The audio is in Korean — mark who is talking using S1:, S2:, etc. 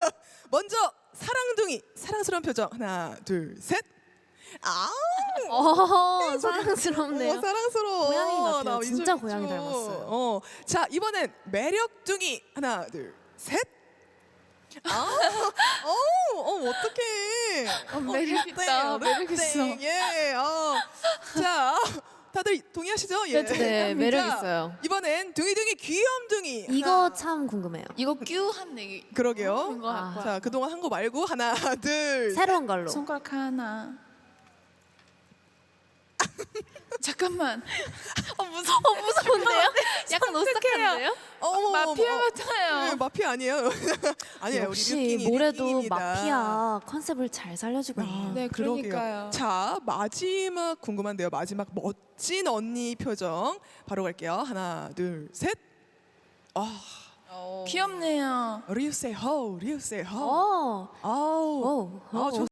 S1: 먼저 사랑둥이 사랑스러운 표정 하나 둘 셋.
S2: 사랑스럽네요.
S1: 사랑스러워.
S2: 고양이 같아요.
S1: 나
S2: 진짜
S1: 이쪽
S2: 고양이
S1: 있죠.
S2: 닮았어요.
S1: 자 이번엔 매력둥이 하나 둘 셋. 어떡해.
S3: 매력 있다. 매력 있어.
S1: 예. 자, 다들 동의하시죠? 예.
S2: 네, 매력
S1: 자,
S2: 있어요.
S1: 이번엔 둥이둥이 귀염둥이.
S2: 이거 참 궁금해요.
S3: 이거 뀨한 얘기.
S1: 그러게요.
S3: 거
S2: 아.
S1: 자, 그동안 한 거 말고 하나, 둘.
S2: 새로운 걸로.
S3: 손가락 하나. 잠깐만.
S2: 무서운데요? 약간 오싹한데요?
S3: 마피아 같아요.
S1: 네, 마피아 아니에요. 아니에요.
S2: 역시
S1: 우리 류킹이,
S2: 모래도
S1: 류킹입니다.
S2: 마피아 컨셉을 잘 살려주고 있네요.
S3: 네,
S1: 그러게요.
S3: 그러니까요.
S1: 자, 마지막 궁금한데요. 마지막 멋진 언니 표정 바로 갈게요. 하나, 둘, 셋.
S3: 귀엽네요.
S1: 리우 세이 호, 리우 세이 호.
S2: 오,
S1: 아우,
S2: 오, 오.